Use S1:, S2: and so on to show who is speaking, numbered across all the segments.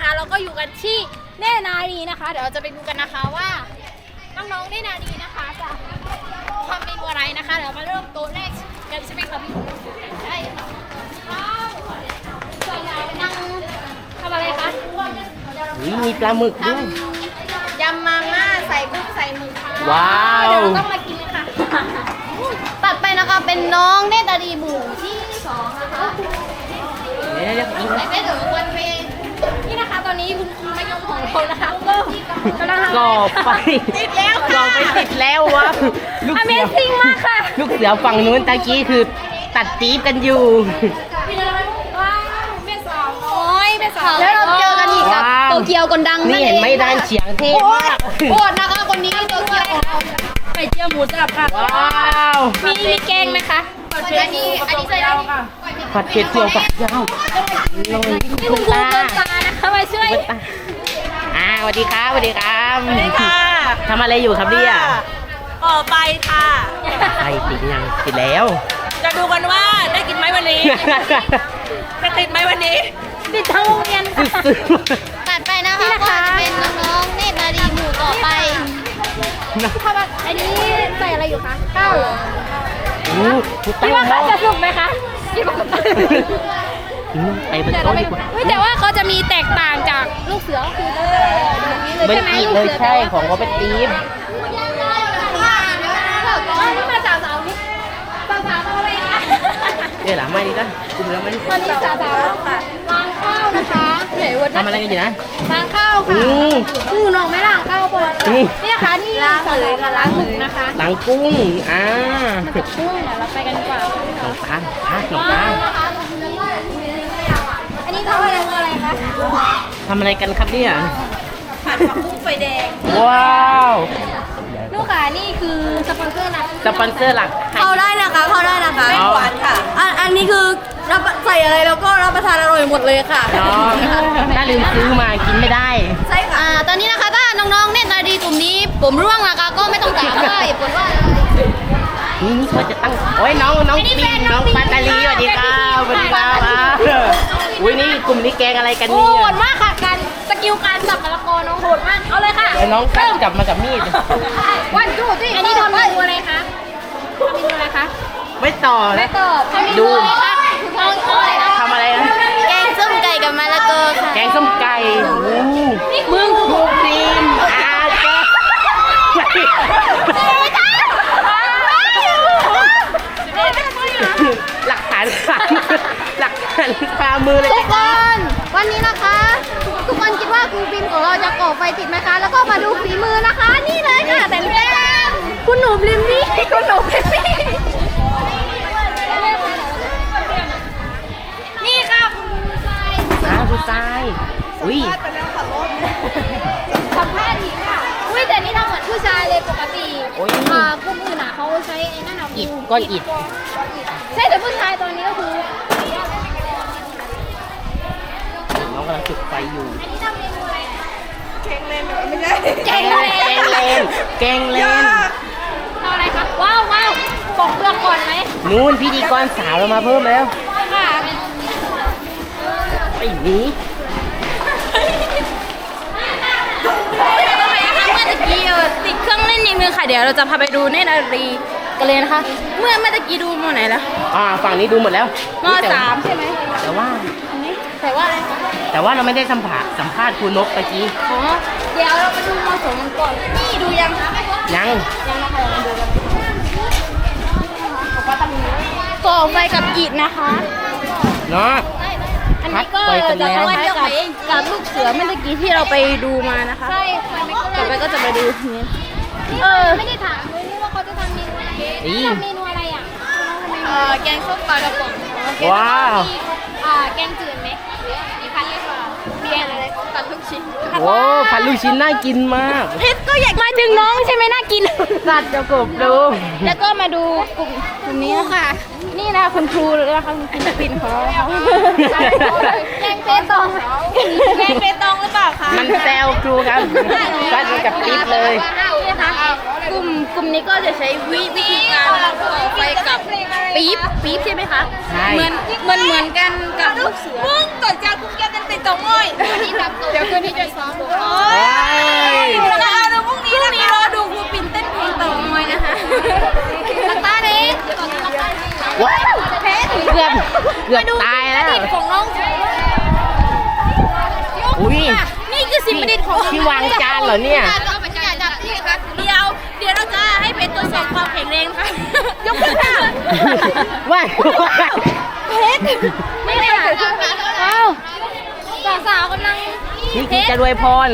S1: เราก็อยู่กันที่เนตรนารีนะคะเดี๋ยวเราจะไปดูกันนะคะว่าน้องๆเนตรนารีนะคะจะทำเมนูอะไรนะคะเดี๋ยวมาเริ่มโต๊ะแรกกันใช่ไหมคะพี่ใช่ค่ะส่วนใหญ่นั่งทำอะไรคะ
S2: มีปลาหมึกด้วย
S1: ยำมาม่าใส่กุ้งใส่หมึกค่ะ
S2: ว้าว
S1: เดี๋ยวเราต้องมากินเลยค่ะตัดไปนะคะเป็นน้องเนตรนารีหมู่ที่2นะคะ
S2: เดี๋ยวกิน
S1: ใส่ไปถึงวันเพลงนี่นะคะตอนนี้คุณครูมายมของเรานะคะก็กำลังทำ
S2: ก่อไฟ
S1: ติดแล้ว
S2: ก่อ
S1: ค่ะ
S2: ไฟติดแล้ววะลูกเสือ
S1: Amazing มากค่ะ
S2: ลูกเสือฝั่งนู้นตะกี้คือตัดจี๊บกันอยู่
S1: ว้าวเป็นสาวโอ้ยเป็นสาวแล้วเราเจอกันอีกกับ
S2: ว้าว
S1: โตเกียวคนดัง
S2: นี่เห็นไหมด้านเฉียงเทพมาก
S1: โคตรนะคะคนนี้โตเกียวของเราไข่เจียวหมูสับค่ะ
S2: ว้าว
S1: มีแกงไหมคะอันนี้ใส่ได้ค่ะ
S2: ผัดเผ็ดเจียวฝักยาวลง
S1: นี่คุณครูเกินตานะคะมาช่วย
S2: สวัสดีครับสวัสดีครับ
S3: สวัสดีค่ะ
S2: ทำอะไรอยู่ครับเนี่ย
S3: ก่อไฟค่ะ
S2: ไฟติดยังติดแล้ว
S3: จะดูกันว่าได้กินไหมวันนี้ จะติดไหมวันนี้
S1: ติดทั้งโรงเรียนค่ะ
S2: ซื้อ
S1: ตัดไปนะคะก็จะเป็นน้องๆเนตรนารีหมู่ต่อไปอันนี้ใส่อะไรอยู่คะข้าวเหรอ
S2: ทุก
S1: คิ
S2: ตั้
S1: ด
S2: ง
S1: ว่า
S2: หม้
S1: เขา
S2: อ
S1: จะสุกไหมคะคิดว่า
S2: ไปเป็นต้นดีกว่า
S1: แต่ว่าเขาจะมีแตกต่างจากลูกเสือก็คือแบบนี้เลย
S2: เป็น
S1: ใช่ไหม
S2: อีก
S1: ลูก
S2: เลย
S1: เสือ
S2: ใช่ของเขาเป็นทีม
S1: นี่มาจากสาวนี่สาวๆทำอะไรคะ
S2: เดี๋ยวหลังไม่ดีกันคุมแล้วไม่
S1: ตอนนี้สาวๆค่ะล้างข้าวนะคะไหนวัน
S2: ทำอะไรกันอยู่นะ
S1: ล้างข้าวค่ะน้องไม่ล้างข้าวปะนี่นะคะนี่ล้างเลยกับล้างหมึกนะคะ
S2: หลังกุ้ง
S1: มาจากกุ้งเดี๋ยวเราไปกันดีกว่า
S2: หนองตาลหนองตาล
S1: นะคะอันนี้ทำอะไรคะ
S2: ทำอะไรกันครับเนี่ย
S3: ผัดผักบุ้งไฟแดง
S2: ว้าว
S1: ลูกค้านี่คือสปอนเซอร์นะ
S2: สปอนเซอร์หลักให้
S4: เข้าได้นะคะเข้าได้นะคะ
S2: อ๋อ
S3: หวานค่ะ
S4: อันนี้คือรับใส่อะไรแล้วก็รับประทานอร่อยหมดเลยค่ะ
S2: น้องถ้าลืมซื้อมากินไม่ได้
S4: ใช่ค่ะ
S1: ตอนนี้นะคะถ้าน้องๆเนตรนารีกลุ่มนี้ผมร่วงนะคะก็ไม่ต้องถามว่าเหตุผลว่าอะไร
S2: นี่เขาจะตั้งโอ้ยน้อง
S1: ไม่ได้
S2: ปิ
S1: แฟ
S2: ง
S1: น
S2: น้อง
S1: ปิง
S2: ปาตาลีสวัสดีครับสวัสดีครับอุ้ยนี่กลุ่มนี้แกงอะไรกัน
S1: โห
S2: เนี่ย
S1: ดมากค่ะการสกิลการสับมะละกอน้องโหดมากเอาเลยค่ะ
S2: เดี๋ยวน้องตั้งจับมากับมีด
S1: วันจูที่อันนี้ทำเมนูอะไรคะทำเมนูอะไรคะ
S2: ไม่ต่อ
S1: ไม่
S2: นะ
S1: ตอบทำเมนูอะไรคะน้องอะไรนะ
S2: ทำอะไรนะ
S4: แกงส้มไก่กับมะละกอค่ะ
S2: แกงส้มไก่มึงลูกทีมหลักฐานหลักฐานคามือเลย
S1: ทุกคนวันนี้นะคะ ทุกคนคิดว่าครูบินของเราจะก่อไฟติดไหมคะ แล้วก็มาดูฝีมือนะคะ นี่เลยค่ะแต่แรกคุณหนูบลิมมี่คุณหนูบลิมมี่นี่ค่ะคุณผู้ชาย
S2: ผู้ชายอุ้ย
S1: สัมภาษณ์หญิงค่ะอุ้ยแต่นี่ทำเหมือนผู้ชายเลยปกติ
S2: โอ้ย
S1: กลุ่มอื่นเขาใช้ไอ้นั่นเอา
S2: อิฐก้อนอิฐ
S1: ใช่แต่ผู้ชายตอนนี้ก็คือ
S2: น้องกำลังจุดไฟอยู่
S1: อันนี้ทำเมนูอะไร
S3: เค้งเล่นไม่ใช่
S1: แกง
S2: แกงเลนแกงเลน
S1: ทำอะไรคะว้าวว้าวปอกเปลือกก่อนไหม
S2: นู่นพิธีกรสาวเรามาเพิ่มแล้ว
S1: ค่ะ
S2: ไอ้นี้
S4: เมื่อตะกี้ติดเครื่องเล่นอย่างนึงค่ะ เดี๋ยวเราจะพาไปดูเนตรนารีกันเลยนะคะ เมื่อตะกี้ดูมอไหนแล้ว
S2: ฝั่งนี้ดูหมดแล้ว
S4: ม.3 ใช่ไหม
S2: แต่ว่า
S4: แต่ว่าอะไรคะ
S2: แต่ว่าเราไม่ได้สัมภาษณ์ครูนกตะกี้
S4: อ๋อเดี๋ยวเราไปดูม.2กันก่อนนี่ดูยังคะ
S2: ยัง
S4: ยังนะคะเราดูกันก่อไฟกับอิฐนะคะ
S2: เนาะ
S4: อันนี้ก็
S2: พัดไฟกัน
S4: จะ
S2: แล้ว
S4: คล้ายๆกับลูกเสือเมื่อตะกี้ที่เราไปดูมานะคะ
S1: ใช่ไม่
S4: ต่อไปก็จะมาดูนี้
S1: ไม่ได้ถามเลยนี่ว่าเขาจะทำเมนูอะไรทำเมนูอะไรอ่ะ
S4: แกงส้มปลากระป๋อง
S2: ว้าว
S1: แกงจืดไหมมีพันเรียกว่าเบียร์อะไรตัดลูกชิ้น
S2: โอ้ผัดลูกชิ้นน่ากินมาก
S4: เพชรก็อยาก
S1: มาถึงน้องใช่ไหมน่ากิน
S2: สัตว์จะกบดู
S4: แล้วก็มาดูกลุ่มนี้ค่ะ นี่นะคุณครูนะคะคุณครูปิ่นของเรา
S1: แกงเปตอง
S4: แกงเปตองหรือเปล่าคะ
S2: มันแซวครูครับฟัดกับปิ๊บเลย
S4: นี่นะคะกลุ่มนี้ก็จะใช้วิธีการก่อไฟกับปี๊บใช่ไหมคะ
S2: ใช่
S4: เหมือนกันกับลูกเสือมึงก่อนจะคุณแกเป็นติดตองอ้อย
S1: อันนี้เดี๋ยวคืนนี้จะซ้อมดู
S4: โอ้ยแล้วเอาดูพรุ่งนี้รอดูครูปิ่นเต้นเพลงเต่างอยนะคะ
S1: ลักตาเอง
S2: ว้าวเกือบตายแล้ว
S1: ของน้อง
S2: อุ้ย
S4: นี่คือสิ่งประดิษฐ์ของ
S2: ที่วางจานเหรอเนี่ย
S1: จับที่ค่ะ
S4: เดี๋ยวเราจะให้เพชรตรวจสอบความแข็งแรงค่ะยกขึ้นค่ะ
S2: ว้าว
S4: เพชรไม่ได้ค่ะว้าวสาวๆกำลัง
S2: นี่คือจะรวยพร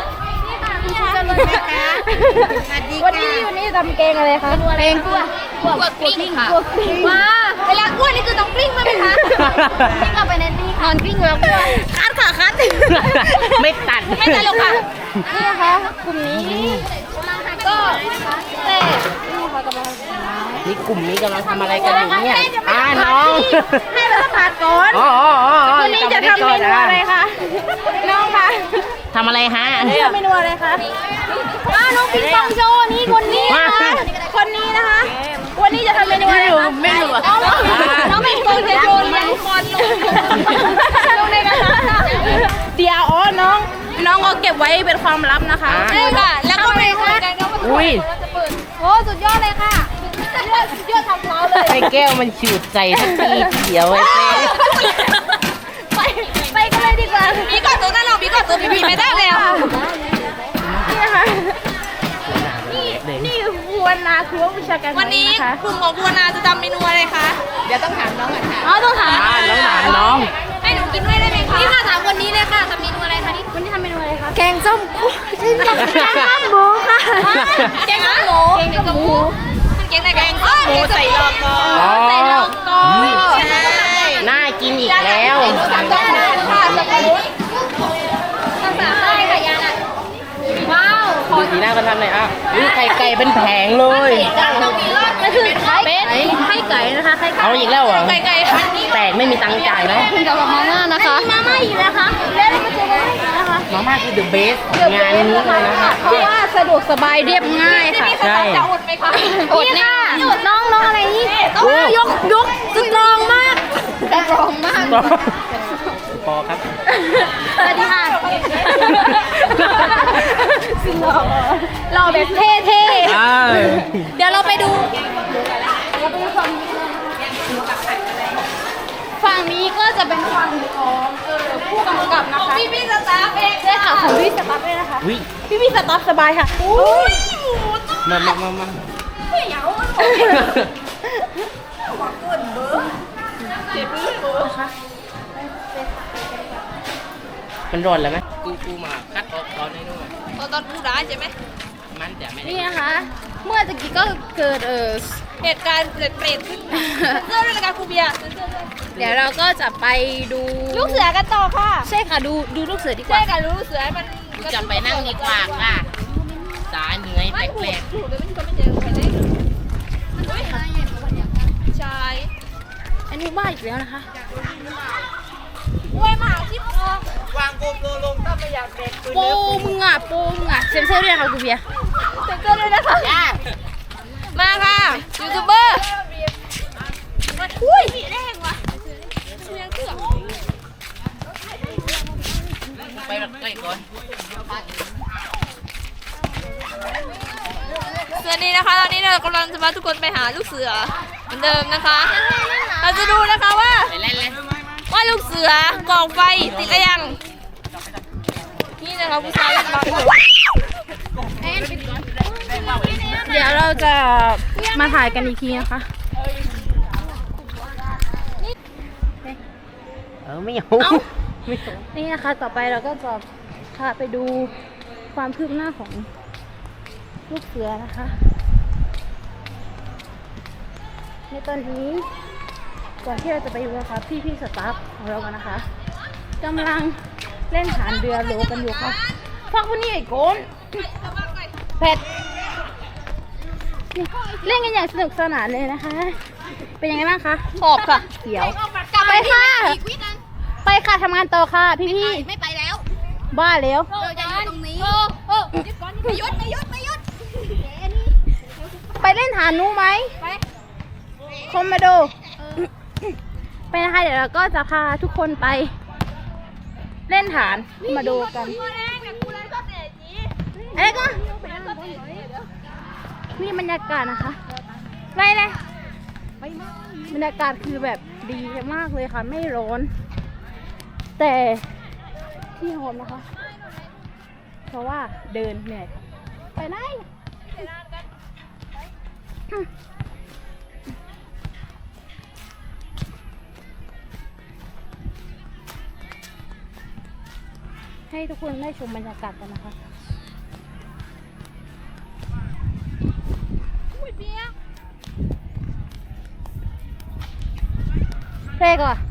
S4: วันนี้ทำเกงอะไรคะเกงกลัว
S1: กลิ้งค่ะ
S4: ว้าเวลากล้วยนี่คือต้องกลิ้งไหมคะ
S1: กลิ้งเอาไปในนี่นอนกลิ้งแล้วกลัว
S4: คัดค่ะคัด
S2: ไม่ตัด
S4: ไม่ตลกค่ะนี่นะคะกลุ่มนี้ก็เต้
S2: นี่กลุ่มนี้กำลังทำอะไรกันอยู่เนี่ยน้อง
S4: ให้เราสัมผัสก่อน
S2: อ๋อ
S4: วันนี้จะทำเมนูอะไรคะน้องคะ
S2: ทำอะไรฮะ
S4: ทำเมนูอะไรคะน้องปิงปองโชว์นี่คนนี้นะคะคนนี้นะคะ วันนี้จะทำเมนูอะไรคะไม่รู้น้องปิงปองโชว์เลี้ยงบอลลงในกระทะเดี๋ยวน้องก็เก็บไว้เป็นความลับนะคะใช่ค่ะแล้วก็ไปค่ะ
S2: อุ้ย
S1: โอ้สุดยอดเลยค่ะยอดทำเท้าเลย
S2: ไอ้แก้วมันฉูดใส่สักทีเดียวไอ้เต้
S4: ไปกันเลยดีกว่ามีก่อนตัวนั่นเรามีก่อนตัวพี่ไม่ได้แล้วนี่นะคะนี่คือครูวนาครูวิชาการวันนี้กลุ่มของครูวนาจะทำเมนูอะไรคะเดี๋ยวต้องถามน้องก่อนค่ะต้องถาม
S2: น้อง
S4: ให้หนูกินด้วยได้ไหมคะ
S1: นี่ค่ะถามคนนี้เลยค่ะทำเมนูอะไรคะนี่
S4: วันนี้ทำเมนูอะไรคะ
S1: แกงส้มแกงส้มหมูค่ะ
S4: แกงหมู
S1: แกงส้มหมู
S4: แกงไหนแกงหมูใส่ลอกกอ
S2: ใส่ลอก
S4: กอใช่
S2: น่ากินอีกแล้ว
S4: ต้องค่ะสับปะรด
S1: ภาษาใต้ค่ะยาน่ะว้าว
S2: ดูสีหน้ากันทำหน่อยอ่ะอุ้ยไข่ไก่เป็นแผงเลย
S1: ต้องมีรอด
S4: นั่นคือไข่เป็ดไข่ไก่นะคะไข่ไก่
S2: เอาอีกแล้วเหรอ
S4: ไก่ค่ะ
S2: แตกไม่มีตังค์จ่ายไหม
S1: คุณกับมาม่านะคะ
S4: มาม่าอีกนะคะแล้วเรามาเจอกันอีกนะคะ
S2: มาม่าคือ the best งานนี้เลยนะคะ
S4: เพราะว่าสะดวกสบายเรียบง่ายค่ะ
S2: ใช่
S4: จะอดไหมคะ
S1: อดแน่
S4: น้องอะไรนี่
S2: โอ้
S4: ยกสตรองมาก
S1: กรองมาก
S2: พอครับ
S4: สวัสดีค่ะหล่อแบบเท่
S2: อ่า
S4: ๆเดี๋ยวเราไปดูฝั่งนี้ก็จะเป็นฝั่งของผู้กำกับนะคะพี่สตาฟเองใช่ค่ะของพี่สตาฟเองนะคะ
S2: อุ้ย
S4: พี่สตาฟสบายค่ะอุ้ย
S2: มา มันร้อนแล้วไหมกูมาคัดออกตอนนี้ด้วย
S3: ตอนพูดได้ใช่ไหม
S2: มันจะไม่ได้
S4: นี่นะคะ เมื่อตะกี้ก็เกิด
S3: เหตุการณ์เปรตขึ้นเสื้อด้วยกันครูเบียร์
S4: เดี๋ยวเราก็จะไปดู
S3: ลูกเสือกันต่อค่ะ
S4: ใช่ค่ะดูลูกเสือดีก
S3: ใช่
S4: ว่า
S3: ค่ะลูกเสือมัน
S2: กูจะไปนั่งดีกว่าค่ะสาเหนื่อยแปลก
S3: ถูกเลยไม่ใช่คนไม่เจอใครได้ใช่
S4: อันนี้ว่าอีกแล้วนะคะ
S3: กล้วยหมาที่พอ
S2: วางโกมโลลงถ้าไม่อยากเด็ก
S4: โปมึงอ่ะเซ็นเซอร์ด้วยค่ะคุณเบียร์
S3: เซ็นเซอร์ด้วยนะคะมาค่ะยูทูบเบอร์อุ้ยแรงว่ะเสียงเกือบ
S2: ไปแบบใกล้ก่อน
S3: เสือนี้นะคะตอนนี้เรากำลังจะพาทุกคนไปหาลูกเสือเหมือนเดิมนะคะ เราจะดูนะคะว่า
S2: ไปเล่นเลย
S3: ว่าลูกเสือกองไฟติดหรือยัง นี่นะคะผู้ชายบังอยู่
S4: เดี๋ยวเราจะมาถ่ายกันอีกทีนะคะ
S2: ไม่เอา
S4: นี่นะคะต่อไปเราก็จะพาไปดูความคืบหน้าของลูกเสือนะคะ ในตอนนี้ก่อนที่เราจะไปดูนะคะพี่สตาฟของเรากันนะคะกำลังเล่นฐานเรือโลกันอยู่ค่ะฟักวันนี้ไอ้โกนเผ็ดเล่นกันอย่างสนุกสนานเลยนะคะ เป็นยังไงบ้างคะขอบค่ะเขียวไปค่ะไปค่ะทำงานต่อค่ะพี่
S1: ไม่ไปแล้ว
S4: บ้าแล้ว
S1: เราจะอยู่ตรงนี้ไม่ยุด
S4: ไปเล่นฐานนู้ไหมคอมมาโดไปนะคะเดี๋ยวเราก็จะพาทุกคนไปเล่นฐานมาดูกันอะไรก็นี่บรรยากาศนะคะไปเลยบรรยากาศคือแบบดีมากเลยค่ะไม่ร้อน แต่ที่โฮมนะคะ เพราะว่าเดินเหนื่อยไปไหนให้ทุกคนได้ชมบรรยากาศกันนะคะเร่ก่อน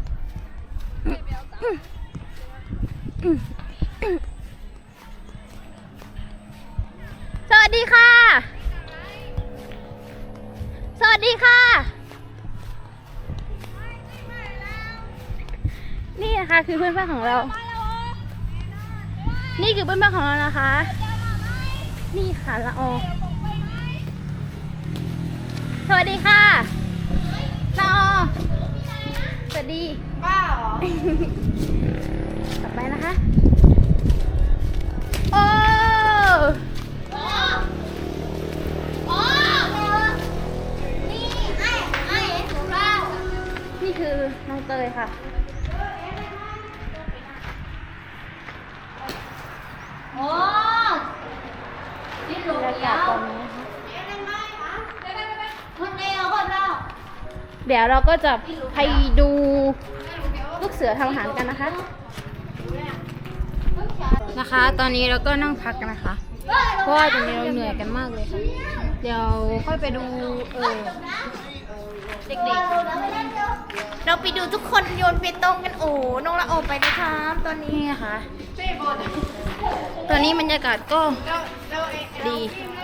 S4: สวัสดีค่ะ สวัสดีค่ะ นี่นะคะคือเพื่อนๆของเรา นี่คือเพื่อนๆของเรานะคะ นี่ค่ะละออสวัสดีค่ะละออสวัสดีป้าเหรอ ต่อไปนะคะ โอ้นี่คือน้องเตยค่ะบรรยากาศตอนนี้เดี๋ยวเราก็จะไปดูลูกเสือทำอาหารกันนะคะ ตอนนี้เราก็นั่งพักกันนะคะ เพราะว่าตอนนี้เราเหนื่อยกันมากเลยค่ะ เดี๋ยวค่อยไปดูเด็กๆเราไปดูทุกคนโยนเปตองกันโอ้น้องละออกไปนะคะตอนนี้นะคะตอนนี้บรรยากาศก็ดี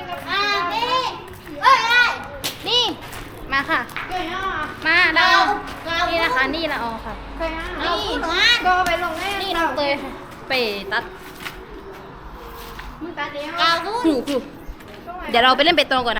S4: นี่มาค่ะมาเรานี่นะคะนี่ละออค่ะนี่ก็ไปลงนี่น้องเตยค่ะไปตัดครูเดี๋ยวเราไปเล่นเปตองก่อนนะ